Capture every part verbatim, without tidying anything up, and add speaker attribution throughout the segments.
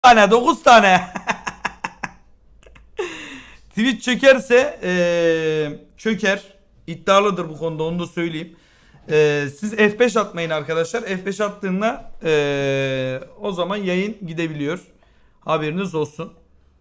Speaker 1: tane, dokuz tane. Twitch çökerse ee, çöker. İddialıdır bu konuda, onu da söyleyeyim. Ee, siz F beş atmayın arkadaşlar. F beş attığında ee, o zaman yayın gidebiliyor. Haberiniz olsun.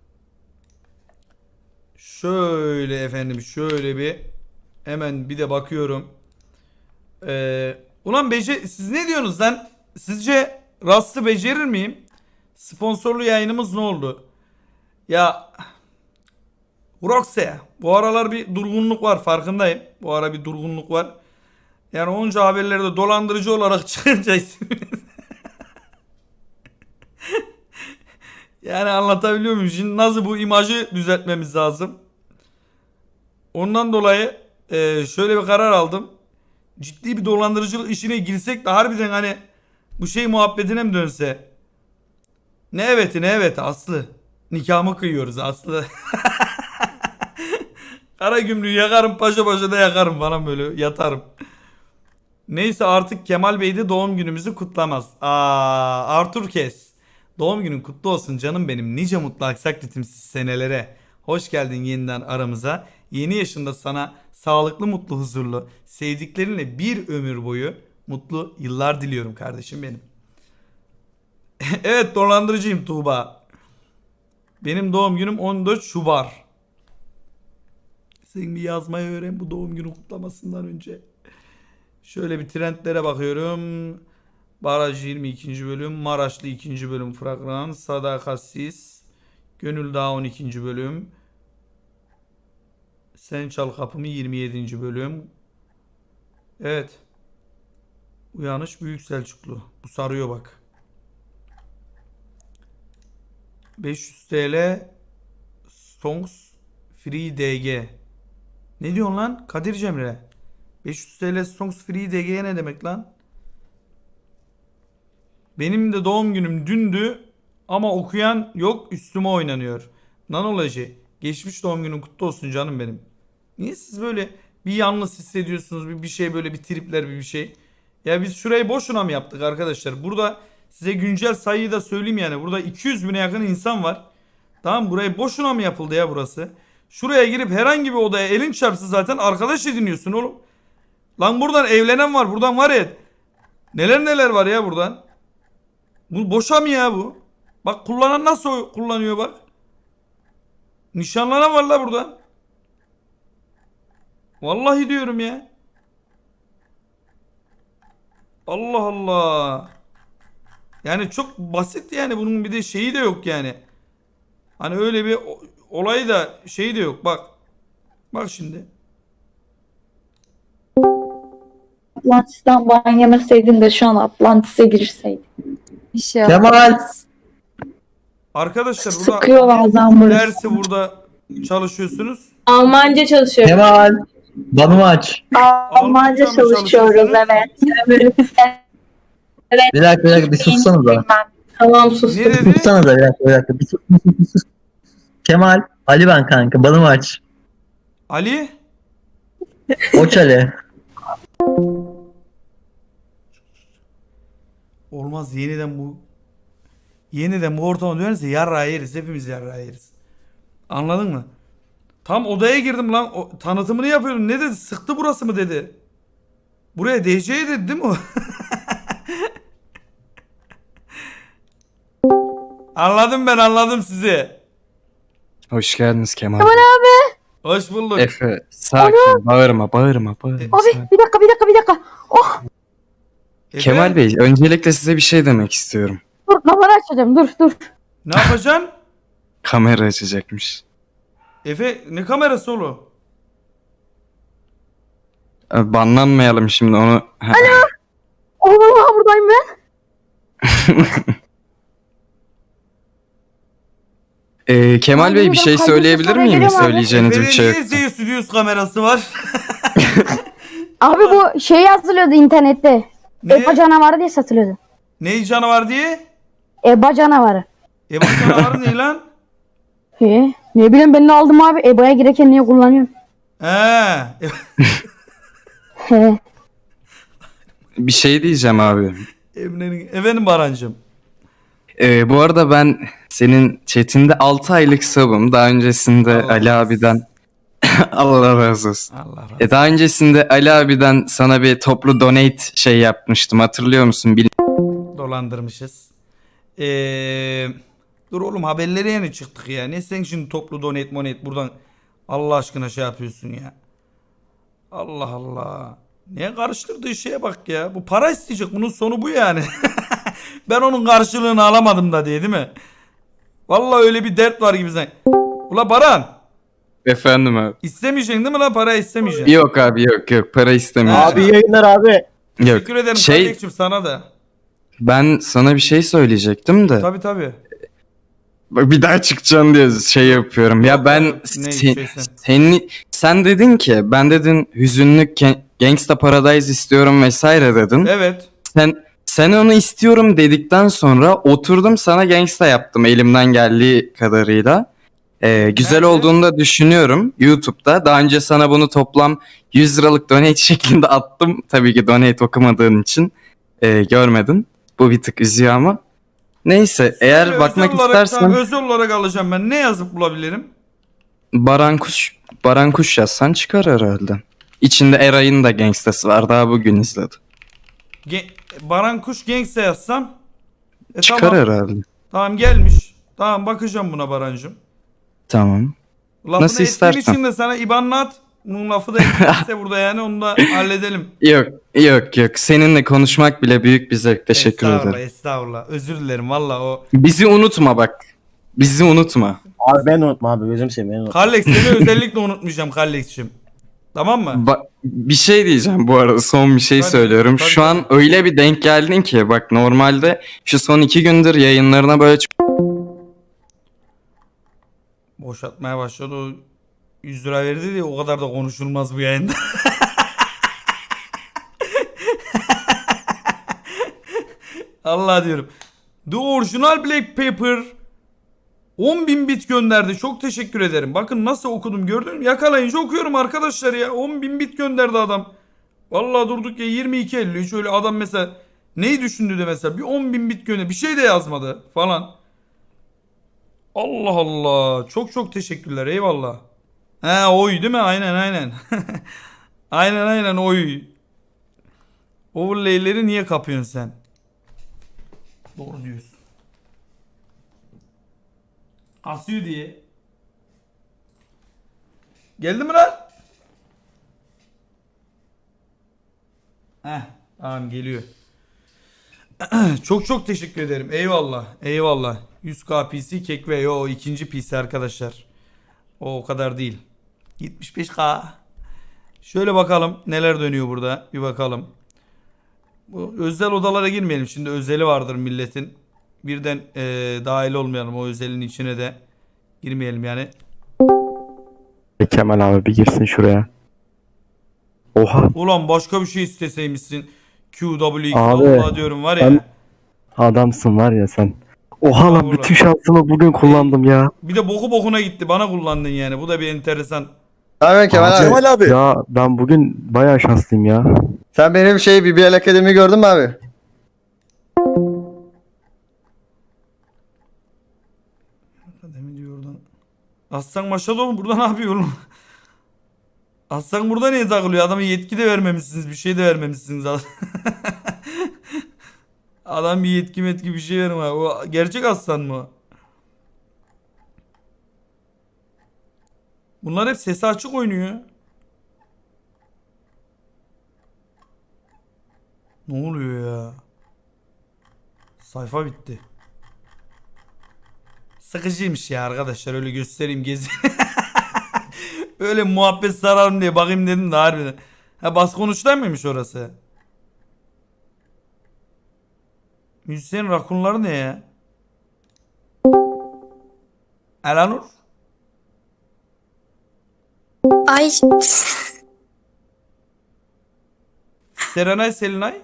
Speaker 1: Şöyle efendim, şöyle bir hemen bir de bakıyorum. Ee, ulan bece siz ne diyorsunuz lan? Sizce Rust'ı becerir miyim? Sponsorlu yayınımız ne oldu? Ya Roxy, bu aralar bir durgunluk var, farkındayım. Bu ara bir durgunluk var. Yani onca haberlerde dolandırıcı olarak çıkınca isminiz. Yani anlatabiliyor muyum? Şimdi nasıl bu imajı düzeltmemiz lazım. Ondan dolayı e, şöyle bir karar aldım. Ciddi bir dolandırıcılık işine girsek de harbiden hani bu şey muhabbetine mi dönse? Ne eveti ne eveti Aslı. Nikahımı kıyıyoruz Aslı. Kara gümrüğü yakarım, paşa paşa da yakarım falan, böyle yatarım. Neyse, artık Kemal Bey de doğum günümüzü kutlamaz. Aa, Arthur Kes. Doğum günün kutlu olsun canım benim. Nice mutlu aksak ritimsiz senelere. Hoş geldin yeniden aramıza. Yeni yaşında sana sağlıklı, mutlu, huzurlu, sevdiklerinle bir ömür boyu mutlu yıllar diliyorum kardeşim benim. Evet, dolandırıcıyım Tuğba. Benim doğum günüm on dört Şubat. Sen bir yazmayı öğren bu doğum günü kutlamasından önce. Şöyle bir trendlere bakıyorum. Baraj yirmi ikinci bölüm. Maraşlı ikinci bölüm fragman. Sadakatsiz. Gönül Dağı on ikinci bölüm. Sen Çal Kapımı yirmi yedinci bölüm. Evet. Uyanış Büyük Selçuklu. Bu sarıyor bak. beş yüz T L Songs Free D G. Ne diyorsun lan Kadir Cemre? beş yüz T L Songs Free D G ne demek lan? Benim de doğum günüm dündü ama okuyan yok, üstüme oynanıyor. Nanoloji, geçmiş doğum günün kutlu olsun canım benim. Niye siz böyle bir yalnız hissediyorsunuz, bir, bir şey böyle bir tripler bir bir şey? Ya biz şurayı boşuna mı yaptık arkadaşlar? Burada size güncel sayıyı da söyleyeyim yani. Burada iki yüz bine yakın insan var. Tamam, burayı boşuna mı yapıldı ya burası? Şuraya girip herhangi bir odaya elin çarpsa zaten arkadaş ediniyorsun oğlum. Lan buradan evlenen var, buradan var ya. Neler neler var ya buradan. Bu boşa mı ya bu? Bak kullanan nasıl kullanıyor bak. Nişanlanan var la buradan. Vallahi diyorum ya. Allah Allah. Yani çok basit yani, bunun bir de şeyi de yok yani. Hani öyle bir olayı da şeyi de yok bak. Bak şimdi.
Speaker 2: Atlantis'ten ban yemeseydin de şu an Atlantis'e girseydin. İnşallah.
Speaker 3: Kemal.
Speaker 1: Arkadaşlar
Speaker 2: Sıkıyor
Speaker 1: burada
Speaker 2: bazen burası.
Speaker 1: dersi burada çalışıyorsunuz.
Speaker 4: Almanca çalışıyorum.
Speaker 3: Kemal. Bana aç.
Speaker 2: Almanca
Speaker 1: mı
Speaker 2: çalışıyoruz,
Speaker 1: çalışıyorsunuz?
Speaker 2: evet. Evet.
Speaker 3: Bir dakika bir dakika bir sussanız da.
Speaker 4: Tamam sustum.
Speaker 1: Ne dedi?
Speaker 3: Sussanız da bir dakika bir dakika. Bir sus, bir sus, bir sus. Kemal. Ali ben kanka. Bana aç.
Speaker 1: Ali?
Speaker 3: Oç Ali.
Speaker 1: Olmaz, yeniden bu yeniden bu ortama dönerse yarrağı yeriz. Hepimiz yarrağı yeriz. Anladın mı? Tam odaya girdim lan. O, tanıtımını yapıyorum. Ne dedi? Sıktı burası mı dedi. Buraya D C dedi değil mi o? Anladım, ben anladım sizi.
Speaker 5: Hoş geldiniz Kemal.
Speaker 2: Kemal abi.
Speaker 1: Hoş bulduk.
Speaker 5: Efe sakin, bağırma bağırma bağırma.
Speaker 2: Abi
Speaker 5: sakin.
Speaker 2: bir dakika bir dakika bir dakika. Oh
Speaker 1: Efe,
Speaker 5: Kemal Bey, öncelikle size bir şey demek istiyorum.
Speaker 2: dur, kamera açacağım, dur dur.
Speaker 1: ne yapacaksın?
Speaker 5: Kamera açacakmış.
Speaker 1: Efe ne kamerası oğlum?
Speaker 5: Ee, Banlanmayalım şimdi onu. Ha,
Speaker 2: Oğlum ha, buradayım ben.
Speaker 5: ee, Kemal Bey bir şey
Speaker 2: Buradan
Speaker 5: söyleyebilir
Speaker 2: kaydırsa
Speaker 5: miyim?
Speaker 2: sonra gelirim abi.
Speaker 5: Söyleyeceğiniz bir
Speaker 1: Efe'nin
Speaker 5: şey
Speaker 1: niye
Speaker 5: yok.
Speaker 1: Z Studios kamerası var?
Speaker 6: Abi bu şey yazılıyordu internette.
Speaker 1: Ne?
Speaker 6: Eba canavarı diye satılıyordu.
Speaker 1: Ne canavar diye?
Speaker 6: Eba canavarı.
Speaker 1: Eba canavarı ne lan?
Speaker 6: He, ne bileyim ben de aldım abi. Eba'ya girerken niye kullanıyorum?
Speaker 1: He.
Speaker 6: He.
Speaker 5: Bir şey diyeceğim abi.
Speaker 1: Emre'nin efendim Barancığım.
Speaker 5: Ee, bu arada ben senin chatinde altı aylık sub'ım. Daha öncesinde
Speaker 1: Allah
Speaker 5: Ali
Speaker 1: razı
Speaker 5: abiden Allah razı olsun.
Speaker 1: Allah razı
Speaker 5: E daha öncesinde Ali abiden sana bir toplu donate şey yapmıştım. Hatırlıyor musun? Bil
Speaker 1: dolandırmışız. Ee, dur oğlum haberlere yeni çıktık ya. Ne sen şimdi toplu donate monet buradan Allah aşkına şey yapıyorsun ya. Allah Allah. Niye karıştırdığı şeye bak ya. Bu para isteyecek. Bunun sonu bu yani. Ben onun karşılığını alamadım da diye değil mi? Vallahi öyle bir dert var gibi sen. Ula Baran.
Speaker 5: Efendim abi.
Speaker 1: İstemeyeceksin değil mi lan? Para istemeyeceksin.
Speaker 5: Yok abi yok yok. Para istemiyorum.
Speaker 1: Abi
Speaker 7: yayınlar abi.
Speaker 5: Yok.
Speaker 1: Teşekkür ederim
Speaker 5: Şey-
Speaker 1: kardeşim sana da.
Speaker 5: Ben sana bir şey söyleyecektim de.
Speaker 1: Tabii tabii.
Speaker 5: Bak bir daha çıkacaksın diye şey yapıyorum. Ya
Speaker 1: Yok,
Speaker 5: ben
Speaker 1: yok. Ne
Speaker 5: se-
Speaker 1: şeysen.
Speaker 5: seni sen dedin ki ben dedin hüzünlü Ge- Gangsta Paradise istiyorum vesaire dedin.
Speaker 1: Evet.
Speaker 5: Sen sen onu istiyorum dedikten sonra oturdum sana Gangsta yaptım elimden geldiği kadarıyla. Ee, güzel
Speaker 1: Nerede?
Speaker 5: olduğunu da düşünüyorum YouTube'da. Daha önce sana bunu toplam yüz liralık donate şeklinde attım. Tabii ki donate okumadığın için e, görmedin. Bu bir tık üzüyor ama. Neyse eğer
Speaker 1: Özel
Speaker 5: bakmak
Speaker 1: olarak,
Speaker 5: istersen
Speaker 1: tamam, özel olarak alacağım ben. Ne yazıp bulabilirim?
Speaker 5: Baran Kuş, Baran Kuş yazsan çıkar herhalde. İçinde Eray'ın da gangstası var. Daha bugün izledim.
Speaker 1: Ge- Baran Kuş Gangsta yazsam. E,
Speaker 5: Çıkar
Speaker 1: tamam.
Speaker 5: herhalde.
Speaker 1: Tamam gelmiş. Tamam bakacağım buna Barancığım.
Speaker 5: Tamam.
Speaker 1: Lafını
Speaker 5: Nasıl
Speaker 1: ettiğim
Speaker 5: istersen.
Speaker 1: için de sana IBAN'la at. Bunun lafı da etmişse burada yani onu da halledelim.
Speaker 5: Yok yok yok. Seninle konuşmak bile büyük bir zevk. Teşekkür
Speaker 1: estağfurullah,
Speaker 5: ederim.
Speaker 1: Estağfurullah. Özür dilerim valla o.
Speaker 5: Bizi unutma bak. Bizi unutma.
Speaker 7: Abi ben unutma abi gözüm seveyim ben unutma.
Speaker 1: Kallex seni özellikle unutmayacağım Kallex'cim. Tamam mı?
Speaker 5: Ba- bir şey diyeceğim bu arada. Son bir şey
Speaker 1: Tabii,
Speaker 5: söylüyorum.
Speaker 1: tabii,
Speaker 5: Şu
Speaker 1: tabii.
Speaker 5: an öyle bir denk geldin ki bak normalde şu son iki gündür yayınlarına böyle çok
Speaker 1: Boşaltmaya başladı o yüz lira verdi diye o kadar da konuşulmaz bu yayında. Allah diyorum. The Original Black Paper on bin bit gönderdi. Çok teşekkür ederim. Bakın nasıl okudum gördün mü? Yakalayınca okuyorum arkadaşlar ya. on bin bit gönderdi adam. Vallahi durduk ya yirmi iki elli üç öyle adam mesela neyi düşündü de mesela bir on bin bit gönder bir şey de yazmadı falan. Allah Allah. Çok çok teşekkürler. Eyvallah. He oy değil mi? Aynen aynen. Aynen aynen oy. Overlay'leri niye kapıyorsun sen? Doğru diyorsun. Kasıyor diye. Geldi mi lan? Heh, tamam geliyor. Çok çok teşekkür ederim. Eyvallah. Eyvallah. yüz K P C kek ve o ikinci P C arkadaşlar. O o kadar değil. yetmiş beş K. Şöyle bakalım neler dönüyor burada. Bir bakalım. Bu özel odalara girmeyelim. Şimdi özeli vardır milletin. Birden eee, dahil olmayalım o özelin içine de. Girmeyelim yani.
Speaker 8: Kemal abi bir girsin şuraya. Oha
Speaker 1: Ulan başka bir şey isteseymişsin. Q W X.
Speaker 8: Abi,
Speaker 1: Allah diyorum var ya.
Speaker 8: ben- adamsın var ya sen. Oha lan
Speaker 1: Estağfurullah.
Speaker 8: bütün şansımı bugün kullandım ya.
Speaker 1: Bir de boku bokuna gitti. Bana kullandın yani. Bu da bir enteresan.
Speaker 9: Abi Kemal abi.
Speaker 7: Kemal abi.
Speaker 8: Ya ben bugün bayağı şanslıyım ya.
Speaker 9: Sen benim şey B B L Akademi gördün mü abi?
Speaker 1: Demin diyor oradan. Aslan maşallah oğlum burada ne yapıyor oğlum? Aslan burada niye takılıyor? Adama yetki de vermemişsiniz. Bir şey de vermemişsiniz. Adam bir yetki metki bir şey verme. O gerçek aslan mı? Bunlar hep sesi açık oynuyor. Ne oluyor ya? Sayfa bitti. Sıkıcıymış ya arkadaşlar öyle göstereyim gezi. Öyle muhabbet sararım diye bakayım dedim de harbiden. Ha bas konuşlar mıymış orası? Müzisyen rakunları ne ya? Elanur?
Speaker 10: Ay
Speaker 1: Serenay Selinay?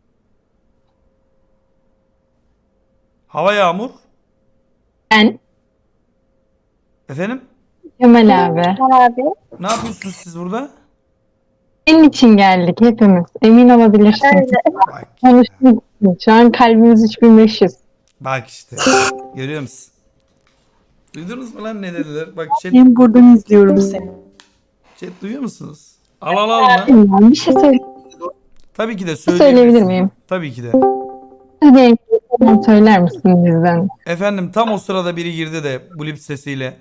Speaker 1: Hava Yağmur?
Speaker 4: Ben.
Speaker 1: Efendim?
Speaker 6: Kemal abi.
Speaker 2: Abi.
Speaker 1: Ne yapıyorsunuz siz burada?
Speaker 6: Senin için geldik hepimiz. Emin olabilirsin.
Speaker 1: Bak,
Speaker 6: Konuştuk. Şu an kalbimiz üç bin beş yüz.
Speaker 1: bak işte. Görüyor musun? Duydunuz mu lan ne dediler? Bak chat,
Speaker 6: Ben buradan izliyorum seni.
Speaker 1: chat duyuyor musunuz? Al al al lan.
Speaker 6: Ben bir şey söyle
Speaker 1: Tabii ki de
Speaker 6: söyleyebilir
Speaker 1: söyleyebilirsin.
Speaker 6: miyim?
Speaker 1: Tabii ki de.
Speaker 6: Özge yenge söyler misin bizden?
Speaker 1: Efendim tam o sırada biri girdi de bu lip sesiyle.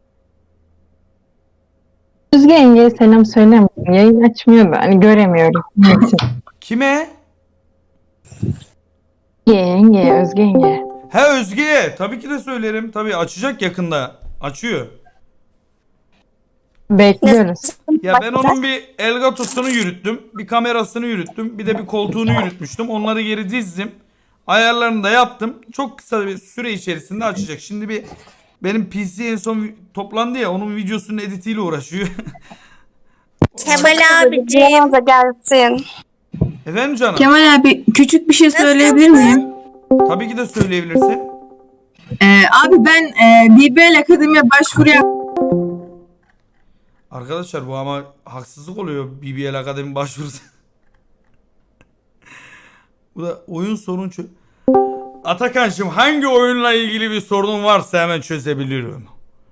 Speaker 6: Özge yengeye selam söyler misin? Yayın açmıyor da hani göremiyorum. Niçin?
Speaker 1: Kime?
Speaker 6: Yenge, yenge, Özge yenge.
Speaker 1: He Özge'ye. Tabii ki de söylerim. Tabii açacak yakında. Açıyor.
Speaker 6: Bekliyoruz.
Speaker 1: Ya ben onun bir Elgato'sunu yürüttüm. Bir kamerasını yürüttüm. Bir de bir koltuğunu yürütmüştüm. Onları geri dizdim. Ayarlarını da yaptım. Çok kısa bir süre içerisinde açacak. Şimdi bir benim P C en son vi- toplandı ya, onun videosunun editiyle uğraşıyor.
Speaker 10: Kemal abiciğim. gelsin.
Speaker 1: Efendim canım?
Speaker 4: Kemal abi küçük bir şey söyleyebilir miyim?
Speaker 1: Tabii ki de söyleyebilirsin.
Speaker 4: Ee, abi ben e, B B L Akademi'ye başvuru yap-
Speaker 1: Arkadaşlar bu ama haksızlık oluyor B B L Akademi başvurusu. Bu da oyun sorun çö... Atakan'cığım hangi oyunla ilgili bir sorunun varsa hemen çözebilirim.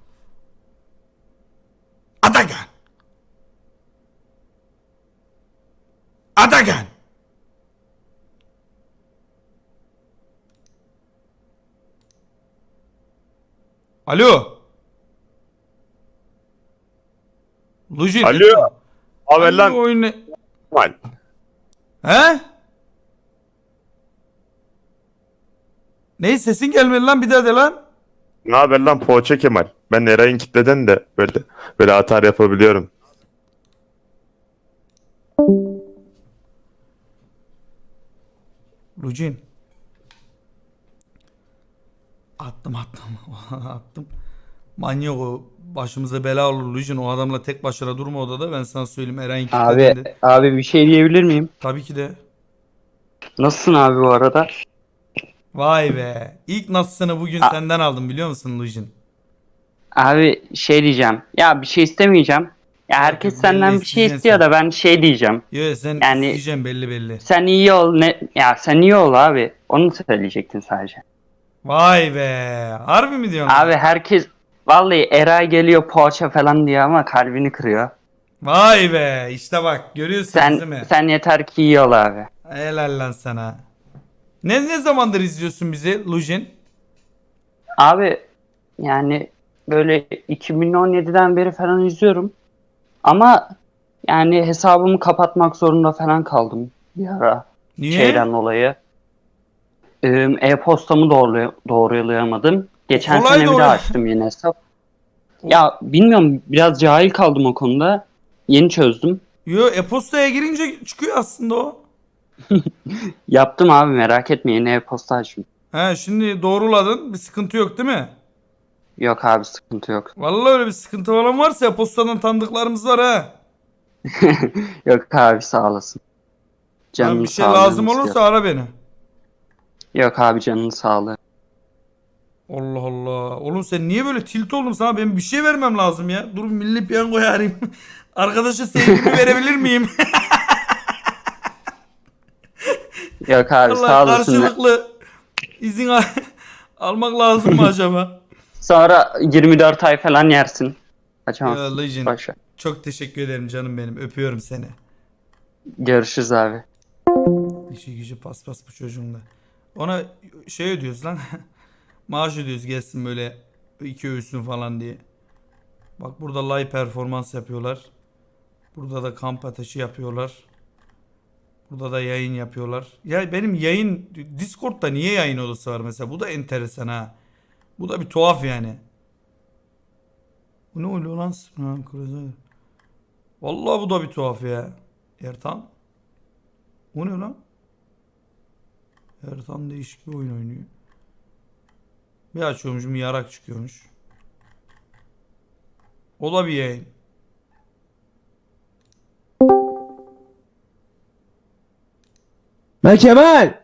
Speaker 1: Atakan! Atakan! Alo! Lujin.
Speaker 11: Alo. Haber
Speaker 1: Hangi
Speaker 11: lan.
Speaker 1: oyun ne-
Speaker 11: Kemal.
Speaker 1: He? Ne sesin gelmedi lan bir daha de lan.
Speaker 11: Ne haber lan Poğaça Kemal? Ben Eray'ın kitleden de böyle böyle atar yapabiliyorum.
Speaker 1: Lujin. Attım attım. attım. Manyak o. Başımıza bela olur Lujin. O adamla tek başına durma odada. Ben sana söyleyeyim Eren
Speaker 12: Abi,
Speaker 1: kitlediğinde.
Speaker 12: abi bir şey diyebilir miyim?
Speaker 1: Tabii ki de.
Speaker 12: Nasılsın abi bu arada?
Speaker 1: Vay be. İlk nasılsını bugün
Speaker 12: A-
Speaker 1: senden aldım biliyor musun Lujin?
Speaker 12: Abi şey diyeceğim. Ya bir şey istemeyeceğim. Ya herkes
Speaker 1: belli
Speaker 12: senden bir şey
Speaker 1: isteyeceksin
Speaker 12: istiyor
Speaker 1: sen.
Speaker 12: da ben şey diyeceğim.
Speaker 1: Yo sen
Speaker 12: Yani-
Speaker 1: isteyeceğim belli belli.
Speaker 12: Sen iyi ol ne ya sen iyi ol abi. Onu söyleyecektin sadece.
Speaker 1: Vay be. Harbi mi diyorsun?
Speaker 12: Abi herkes vallahi Eray geliyor poğaça falan diyor ama kalbini kırıyor.
Speaker 1: Vay be. İşte bak görüyorsunuz değil
Speaker 12: Sen
Speaker 1: mi?
Speaker 12: sen yeter ki iyi ol abi.
Speaker 1: Helal lan sana. Ne ne zamandır izliyorsun bizi Lujin?
Speaker 12: Abi yani böyle iki bin on yediden beri falan izliyorum. Ama yani hesabımı kapatmak zorunda falan kaldım bir ara.
Speaker 1: Niye?
Speaker 12: Şeyden dolayı. Ee, E-postamı doğru, doğrulayamadım. Geçen
Speaker 1: Kolay
Speaker 12: sene bir
Speaker 1: doğru-
Speaker 12: daha açtım yine hesap. Ya bilmiyorum biraz cahil kaldım o konuda. Yeni çözdüm.
Speaker 1: Yo e-postaya girince çıkıyor aslında o.
Speaker 12: Yaptım abi merak etme yeni e-posta açtım.
Speaker 1: He şimdi doğruladın. Bir sıkıntı yok değil mi?
Speaker 12: Yok abi sıkıntı yok.
Speaker 1: Vallahi öyle bir sıkıntı falan varsa e-postadan tanıdıklarımız var ha.
Speaker 12: Yok abi sağ olasın.
Speaker 1: Lan
Speaker 12: Canının
Speaker 1: bir şey
Speaker 12: sağlığını
Speaker 1: lazım
Speaker 12: istiyor.
Speaker 1: olursa ara beni.
Speaker 12: Yok abi canının sağlığı.
Speaker 1: Allah Allah. Oğlum sen niye böyle tilt oldun sana? Ben bir şey vermem lazım ya. Dur milli piyangoya arayayım. Arkadaşa sevgimi verebilir miyim?
Speaker 12: Yok abi
Speaker 1: Allah
Speaker 12: sağ olasın.
Speaker 1: karşılıklı izin al- almak lazım mı acaba?
Speaker 12: Sonra yirmi dört ay falan yersin. Açamazsın.
Speaker 1: Ya Legend.
Speaker 12: Boş ver.
Speaker 1: Çok teşekkür ederim canım benim. Öpüyorum seni.
Speaker 12: Görüşürüz abi.
Speaker 1: İşi gücü paspas bu çocuğun da. Ona şey ödüyoruz lan. Maaş ödüyoruz gelsin böyle iki öğüsün falan diye. Bak burada live performans yapıyorlar. Burada da kamp ateşi yapıyorlar. Burada da yayın yapıyorlar. Ya benim yayın Discord'da niye yayın odası var mesela? Bu da enteresan ha. Bu da bir tuhaf yani. Bu ne oluyor lan? Ha, kırmızı. Vallahi bu da bir tuhaf ya. Ertan. O ne lan? Ertan değişik bir oyun oynuyor. Bir açıyormuşum yarak çıkıyormuş. O da bir yayın.
Speaker 7: Ben Kemal.